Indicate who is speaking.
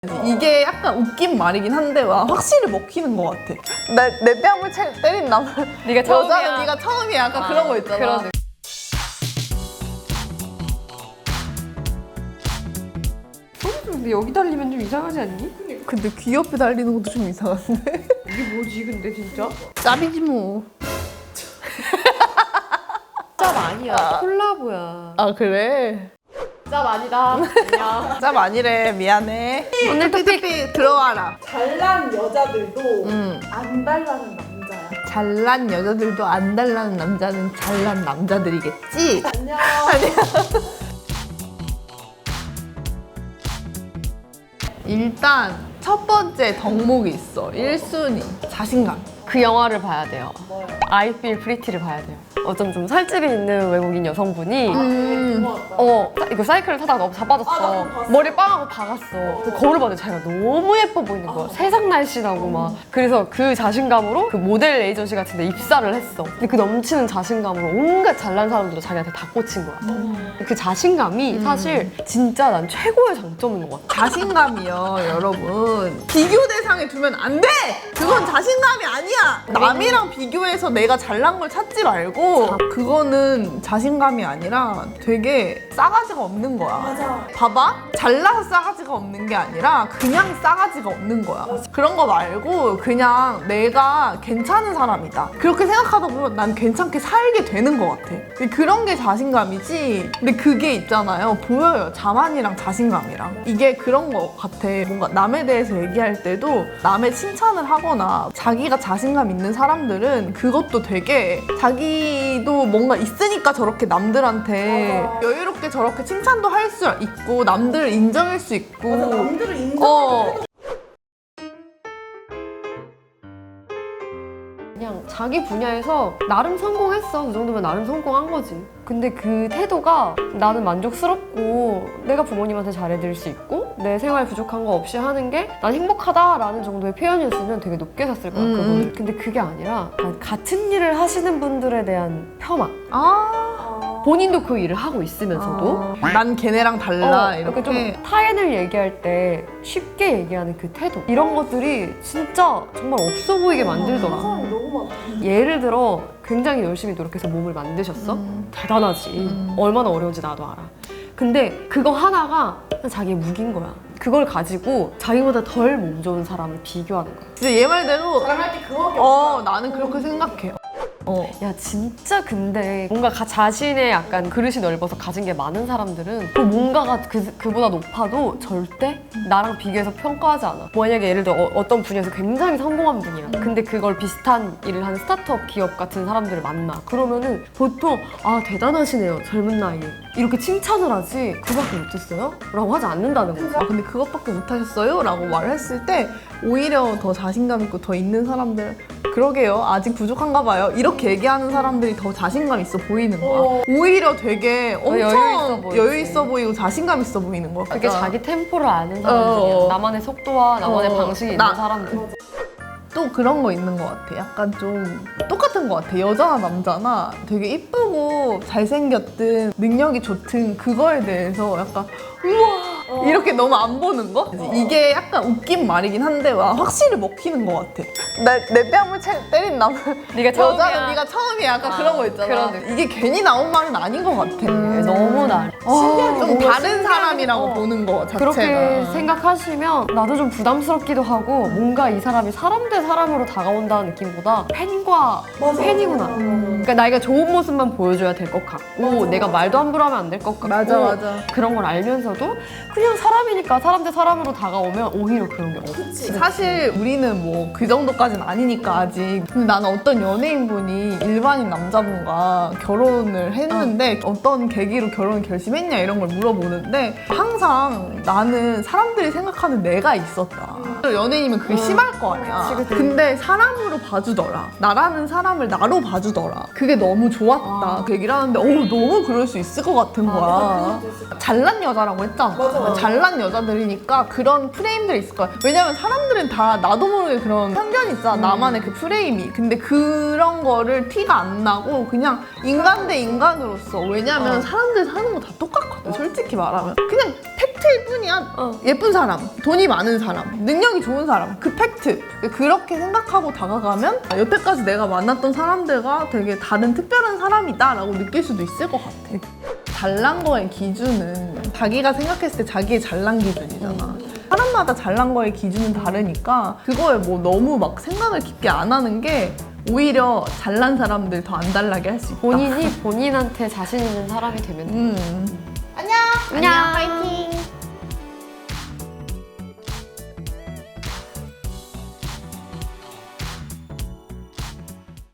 Speaker 1: 이게 약간 웃긴 말이긴 한데 와, 확실히 먹히는 것 같아. 내 뺨을 때린 남은
Speaker 2: 네가 처음이야.
Speaker 1: 여자는 네가 처음이야. 약간 그런 거 있잖아.
Speaker 2: 그런 느낌. 근데 여기 달리면 좀 이상하지 않니?
Speaker 1: 근데 귀 옆에 달리는 것도 좀 이상한데?
Speaker 2: 이게 뭐지 근데 진짜?
Speaker 1: 짭이지 뭐.
Speaker 2: 짭 아니야. 콜라보야.
Speaker 1: 아 그래?
Speaker 2: 짭 아니다. 안녕.
Speaker 1: 짭 아니래. 미안해.
Speaker 2: 오늘 토픽.
Speaker 1: 들어와라.
Speaker 3: 잘난 여자들도
Speaker 1: 응.
Speaker 3: 안 달라는 남자야.
Speaker 1: 잘난 여자들도 안 달라는 남자는 잘난 남자들이겠지?
Speaker 3: 안녕.
Speaker 1: 일단 첫 번째 덕목이 있어. 1순위. 자신감.
Speaker 2: 그 영화를 봐야 돼요.
Speaker 3: 뭐야?
Speaker 2: I Feel Pretty를 봐야 돼요. 어쩜 좀 살집이 있는 외국인 여성분이 이거 사이클을 타다가 너무
Speaker 3: 아,
Speaker 2: 자빠졌어.
Speaker 3: 나도 봤어.
Speaker 2: 머리 빵하고 박았어. 그 거울을 봤는데 자기가 너무 예뻐 보이는 거야. 세상 날씬하고 막. 그래서 그 자신감으로 그 모델 에이전시 같은 데 입사를 했어. 근데 그 넘치는 자신감으로 온갖 잘난 사람들도 자기한테 다 꽂힌 거야. 그 자신감이 사실 진짜 난 최고의 장점인 것 같아.
Speaker 1: 자신감이요, 여러분. 비교 대상에 두면 안 돼! 그건 자신감이 아니야! 남이랑 비교해서 내가 잘난 걸 찾지 말고, 그거는 자신감이 아니라 되게 싸가지가 없는 거야.
Speaker 3: 맞아.
Speaker 1: 봐봐. 잘나서 싸가지가 없는 게 아니라 그냥 싸가지가 없는 거야. 그런 거 말고 그냥 내가 괜찮은 사람이다. 그렇게 생각하다 보면 난 괜찮게 살게 되는 것 같아. 근데 그런 게 자신감이지. 근데 그게 있잖아요. 보여요. 자만이랑 자신감이랑. 이게 그런 거 같아. 뭔가 남에 대해서 얘기할 때도 남의 칭찬을 하거나 자기가 자신감 있는 사람들은 그것도 되게 자기도 뭔가 있으니까 저렇게 남들한테
Speaker 3: 맞아.
Speaker 1: 여유롭게 저렇게 칭찬도 할 수 있고 남들을 인정할 수 있고
Speaker 3: 맞아, 남들을 인정해.
Speaker 2: 그냥 자기 분야에서 나름 성공했어. 그 정도면 나름 성공한 거지. 근데 그 태도가 나는 만족스럽고 내가 부모님한테 잘해드릴 수 있고 내 생활 부족한 거 없이 하는 게 난 행복하다라는 정도의 표현이었으면 되게 높게 샀을 거야, 그거를. 근데 그게 아니라 같은 일을 하시는 분들에 대한 폄하. 본인도 그 일을 하고 있으면서도
Speaker 1: 난 걔네랑 달라
Speaker 2: 이렇게
Speaker 1: 이렇게
Speaker 2: 좀 타인을 얘기할 때 쉽게 얘기하는 그 태도 이런 것들이 진짜 정말 없어 보이게 만들더라.
Speaker 3: 사람이 너무 많아.
Speaker 2: 예를 들어 굉장히 열심히 노력해서 몸을 만드셨어? 대단하지. 얼마나 어려운지 나도 알아. 근데 그거 하나가 자기의 무기인 거야. 그걸 가지고 자기보다 덜 몸 좋은 사람을 비교하는 거야.
Speaker 1: 진짜 얘 말대로
Speaker 3: 자랑할 게 그거밖에 없어.
Speaker 1: 나는 그렇게 생각해.
Speaker 2: 야 진짜 근데 뭔가 자신의 약간 그릇이 넓어서 가진 게 많은 사람들은 그 뭔가가 그보다 높아도 절대 나랑 비교해서 평가하지 않아. 만약에 예를 들어 어떤 분야에서 굉장히 성공한 분이야. 근데 그걸 비슷한 일을 하는 스타트업 기업 같은 사람들을 만나. 그러면은 보통 대단하시네요, 젊은 나이에. 이렇게 칭찬을 하지 그밖에 못했어요? 라고 하지 않는다는 거야.
Speaker 1: 근데 그것밖에 못하셨어요? 라고 말을 했을 때 오히려 더 자신감 있고 더 있는 사람들 그러게요. 아직 부족한가 봐요. 이렇게 얘기하는 사람들이 더 자신감 있어 보이는 거야. 오히려 되게 엄청 여유 있어 보이고 자신감 있어 보이는 거야.
Speaker 2: 그게 자기 템포를 아는 사람들이야. 나만의 속도와 나만의 방식이 있는 사람들.
Speaker 1: 또 그런 거 있는 것 같아. 약간 좀 똑같은 것 같아. 여자나 남자나 되게 이쁘고 잘생겼든 능력이 좋든 그거에 대해서 약간 우와 이렇게 너무 안 보는 거? 이게 약간 웃긴 말이긴 한데 와, 확실히 먹히는 것 같아. 내 뺨을 때린 남은
Speaker 2: 네가 처음이야.
Speaker 1: 여자는 네가 처음이야. 약간 그런 거 있잖아.
Speaker 2: 그런 느낌.
Speaker 1: 이게 괜히 나온 말은 아닌 것 같아.
Speaker 2: 너무 나.
Speaker 1: 좀 다른 사람이라고 보는 거 자체가.
Speaker 2: 그렇게 생각하시면 나도 좀 부담스럽기도 하고 뭔가 이 사람이 사람 대 사람으로 다가온다는 느낌보다 팬과 팬이구나. 그러니까 나이가 좋은 모습만 보여줘야 될 것 같고 내가 말도 함부로 하면 안 될 것 같고
Speaker 1: 맞아.
Speaker 2: 그런 걸 알면서도 그냥 사람이니까 사람 대 사람으로 다가오면 오히려 그런 게 없지.
Speaker 1: 사실 우리는 뭐 그 정도까지는 아니니까 아직. 근데 나는 어떤 연예인분이 일반인 남자분과 결혼을 했는데 어떤 계기로 결혼을 결심했냐 이런 걸 물어보는데 항상 나는 사람들이 생각하는 내가 있었다. 연예인이면 그게 심할 거 아니야.
Speaker 2: 그치.
Speaker 1: 근데 사람으로 봐주더라. 나라는 사람을 나로 봐주더라. 그게 너무 좋았다. 그 얘기를 하는데 너무 그럴 수 있을 것 같은 거야. 잘난 여자라고 했잖아.
Speaker 3: 맞아.
Speaker 1: 잘난 여자들이니까 그런 프레임들이 있을 거야. 왜냐면 사람들은 다 나도 모르게 그런 편견이 있잖아. 나만의 그 프레임이. 근데 그런 거를 티가 안 나고 그냥 인간 대 인간으로서. 왜냐면 사람들 사는 거 다 똑같거든. 솔직히 말하면. 그냥 팩트일 뿐이야. 예쁜 사람, 돈이 많은 사람, 능력이 좋은 사람. 그 팩트. 그렇게 생각하고 다가가면 여태까지 내가 만났던 사람들과 되게 다른 특별한 사람이다 라고 느낄 수도 있을 것 같아. 잘난 거의 기준은 자기가 생각했을 때 자기의 잘난 기준이잖아. 사람마다 잘난 거의 기준은 다르니까 그거에 뭐 너무 막 생각을 깊게 안 하는 게 오히려 잘난 사람들 더 안 달라게 할 수 있다.
Speaker 2: 본인이 본인한테 자신 있는 사람이 되면 돼.
Speaker 3: 안녕.
Speaker 2: 안녕.